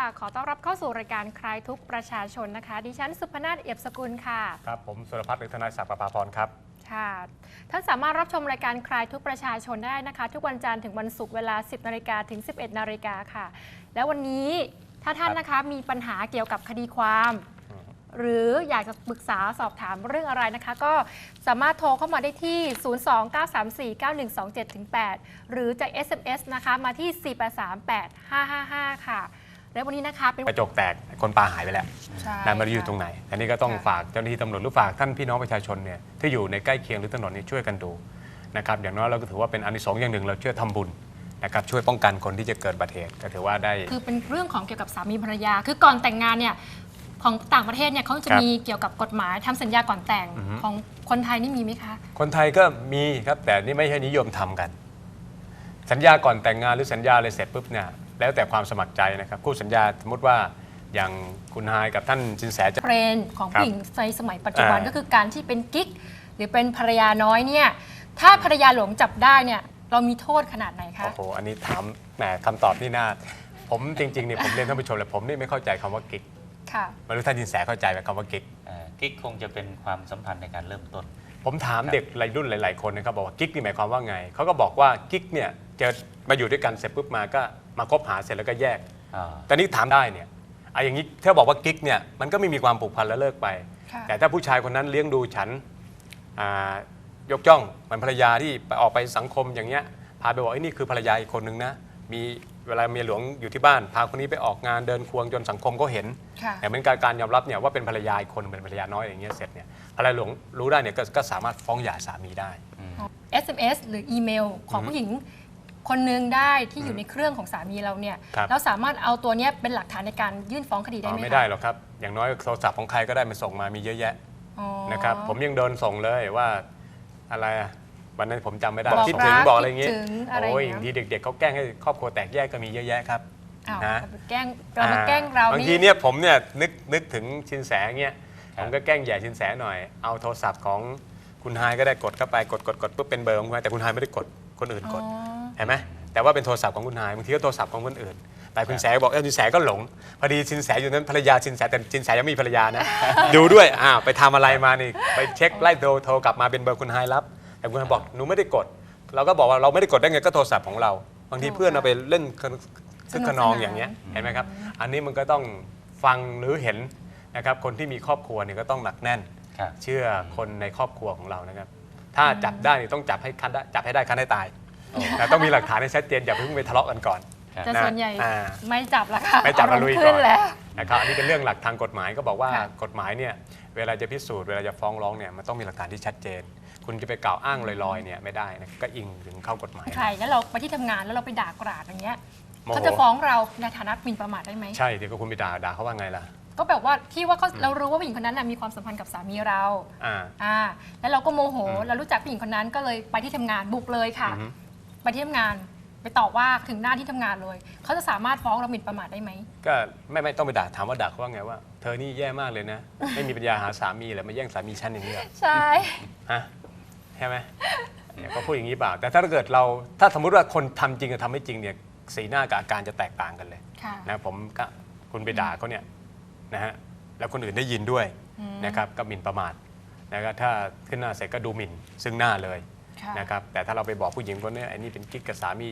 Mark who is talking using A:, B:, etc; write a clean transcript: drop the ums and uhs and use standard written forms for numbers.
A: ขอต้อนรับเข้าสู่รายการคลายทุกข์ประชาชนนะคะดิฉันสุพนาถเอี่ยมสกุลค่ะ
B: ครับผมสุรพัฒน์หรือทนายศักดิ์ประภาพรครับ
A: ค่ะท่านสามารถรับชมรายการคลายทุกข์ประชาชนได้นะคะทุกวันจันทร์ถึงวันศุกร์เวลา 10 นาฬิกาถึง 11 นาฬิกาค่ะแล้ววันนี้ถ้าท่านนะคะมีปัญหาเกี่ยวกับคดีความหรืออยากจะปรึกษาสอบถามเรื่องอะไรนะคะก็สามารถโทรเข้ามาได้ที่ 029349127-8 หรือจะ SMS นะคะมาที่ 4838555 ค่ะและวันนี้นะคะเป็น
B: กระจกแตกคนปลาหายไปแล้วนายมาอยู่ตรงไหนอันนี้ก็ต้องฝากเจ้าหน้าที่ตำรวจหรือฝากท่านพี่น้องประชาชนเนี่ยที่อยู่ในใกล้เคียงหรือถนนนี้ช่วยกันดูนะครับอย่างน้อยเราก็ถือว่าเป็นอานิสงส์อย่างหนึ่งเราช่วยทำบุญนะครับช่วยป้องกันคนที่จะเกิดอุบัติเหตุก็ถือว่าได้
A: คือเป็นเรื่องของเกี่ยวกับสามีภรรยาคือก่อนแต่งงานเนี่ยของต่างประเทศเนี่ยเขาจะมีเกี่ยวกับกฎหมายทำสัญญาก่อนแต่งของคนไทยนี่มีไหมคะ
B: คนไทยก็มีครับแต่นี่ไม่ใช่นิยมทำกันสัญญาก่อนแต่งงานหรือสัญญาอะไรเสร็จปุ๊บเนี่ยแล้วแต่ความสมัครใจนะครับคู่สัญญาสมมติว่าอย่างคุณไฮกับท่านสินแสจะ
A: เทรนด์ของผู้หญิงในสมัยปัจจุบันก็คือการที่เป็นกิ๊กหรือเป็นภรรยาน้อยเนี่ยถ้าภรรยาหลวงจับได้เนี่ยเรามีโทษขนาดไหนคะ
B: โอ้โหอันนี้ถามแหมคำตอบนี่น่าผมจริงๆเนี่ยผมเรียนท่านผู้ชมเลยผมนี่ไม่เข้าใจคำว่ากิ๊กไม่รู้ท่านสินแสเข้าใจไหมคำว่ากิ๊ก
C: กิ๊กคงจะเป็นความสัมพันธ์ในการเริ่มต้น
B: ผมถามเด็กวัยรุ่นหลายๆคนนะครับบอกว่ากิ๊กนี่หมายความว่าไงเขาก็บอกว่ากิ๊กเนี่ยจะมาอยู่ด้วยกันเสร็จปุ๊บมาก็มาคบหาเสร็จแล้วก็แยกแต่นี่ถามได้เนี่ยอย่างนี้ถ้าบอกว่ากิ๊กเนี่ยมันก็ไม่มีความผูกพันแล้วเลิกไปแต่ถ้าผู้ชายคนนั้นเลี้ยงดูฉันยกย่องเหมือนภรรยาที่ไปออกไปสังคมอย่างเงี้ยพาไปบอกไอ้นี่คือภรรยาอีกคนนึงนะมีเวลาเมียหลวงอยู่ที่บ้านพาคนนี้ไปออกงานเดินควงจนสังคมก็เห็นแต่เป็นการยอมรับเนี่ยว่าเป็นภรรยาอีกคนเป็นภรรยาน้อยอย่างเงี้ยเสร็จเนี่ยภรรยาหลวงรู้ได้เนี่ยก็สามารถฟ้องหย่าสามีได้
A: SMS หรืออีเมลของผู้หญิงคนนึงได้ที่อยู่ในเครื่องของสามีเราเนี่ยเราสามารถเอาตัวนี้เป็นหลักฐานในการยื่นฟ้องคดีได้ไหม
B: ไม่ได้หรอกครับอย่างน้อยโทรศัพท์ของใครก็ได้มันส่งมามีเยอะแยะนะครับผมยังโดนส่งเลยว่าอะไรวันนั้นผมจำไม่ได้คิดถึงบอกอะไรเงี้ยโอ้ยอย่างที่เด็กๆเขาแกล้งให้ครอบครัวแตกแยกก็มีเยอะแยะครับ
A: นะแกล้งเรามาแกล้งเรา
B: บางทีเนี่ยผมเนี่ยนึกถึงชินแสเงี้ยผมก็แกล้งแย่ชินแสหน่อยเอาโทรศัพท์ของคุณไฮก็ได้กดเข้าไปกดปุ๊บเป็นเบอร์ของคุณไฮแต่คุณไฮไม่ได้กดคนอื่นกดเห็นไหมแต่ว่าเป็นโทรศัพท์ของคุณไฮบางทีก็โทรศัพท์ของคนอื่นแต่คุณแสบอกชินแสก็หลงพอดีชินแสอยู่นั้นภรรยาชินแสแต่ชินแสยังมีภรรยานะดูด้วยไปทำอะไรมานี่ไปเช็คไล่โทรกลับมาเป็นเบอร์คุณไฮรับแต่คุณไฮบอกหนูไม่ได้กดเราก็บอกว่าเราไม่ได้กดได้ไงก็โทรศัพท์ของเราบางทีเพื่อนเอาไปเล่นคึกขนองอย่างเงี้ยเห็นไหมครับอันนี้มันก็ต้องฟังหรือเห็นนะครับคนที่มีครอบครัวเนี่ยก็ต้องหนักแน่นเชื่อคนในครอบครัวของเรานะครับถ้าจับได้ต้องจับให้ได้คันให้ตายแต่ต้องมีหลักฐานให้ชัดเจนอย่าเพิ่งไปทะเลาะกันก่อน
A: แต่ส่วนใหญ่ไม่จับละค่ะ
B: ไม่จับมาลุยก่อนนะครับอันนี้เป็นเรื่องหลักทางกฎหมายก็บอกว่ากฎหมายเนี่ยเวลาจะพิสูจน์เวลาจะฟ้องร้องเนี่ยมันต้องมีหลักฐานที่ชัดเจนคุณจะไปกล่าวอ้างลอยๆเนี่ยไม่ได้นะก็อิงถึงเข้ากฎหมาย
A: ใช่แล้วเราไปที่ทำงานแล้วเราไปด่ากราดอย่างเงี้ยเขาจะฟ้องเราในฐานะหมิ่นประมาทได้ไหม
B: ใช่เดี๋ยวคุณไปด่าเขาว่าไงล่ะ
A: ก็แบบว่าที่ว่าเรารู้ว่าผู้หญิงคนนั้นมีความสัมพันธ์กับสามีเราแล้วเราก็โมโหเรารู้จักผู้หญิงคนนั้นก็เลยไปที่ทำงานบุกเลยค่ะไปที่ทำงานไปต่อว่าถึงหน้าที่ทำงานเลยเขาจะสามารถฟ้องเราหมิ่นประมาทได้ไหม
B: ก็ไม่ต้องไปด่าถามว่าด่าเขาว่าไงว่าเธอนี่แย่มากเลยนะไม่มีปัญญาหาสามีเลยมาแย่งสามีฉันอย่างนี้
A: ใช่
B: ใช่ไหมเนี่ยเขาพูดอย่างนี้เปล่าแต่ถ้าเกิดเราถ้าสมมติว่าคนทำจริงกับทำไม่จริงเนี่ยสีหน้ากับอาการจะแตกต่างกันเลยนะผมก็คุณไปด่าเขาเนี่ยนะฮะแล้วคนอื่นได้ยินด้วยนะครับก็หมิ่นประมาทนะครับถ้าขึ้นหน้าเสร็จก็ดูหมิ่นซึ่งหน้าเลยนะครับแต่ถ้าเราไปบอกผู้หญิงคนนี้ไอ้นี่เป็นกิ๊กกับสามี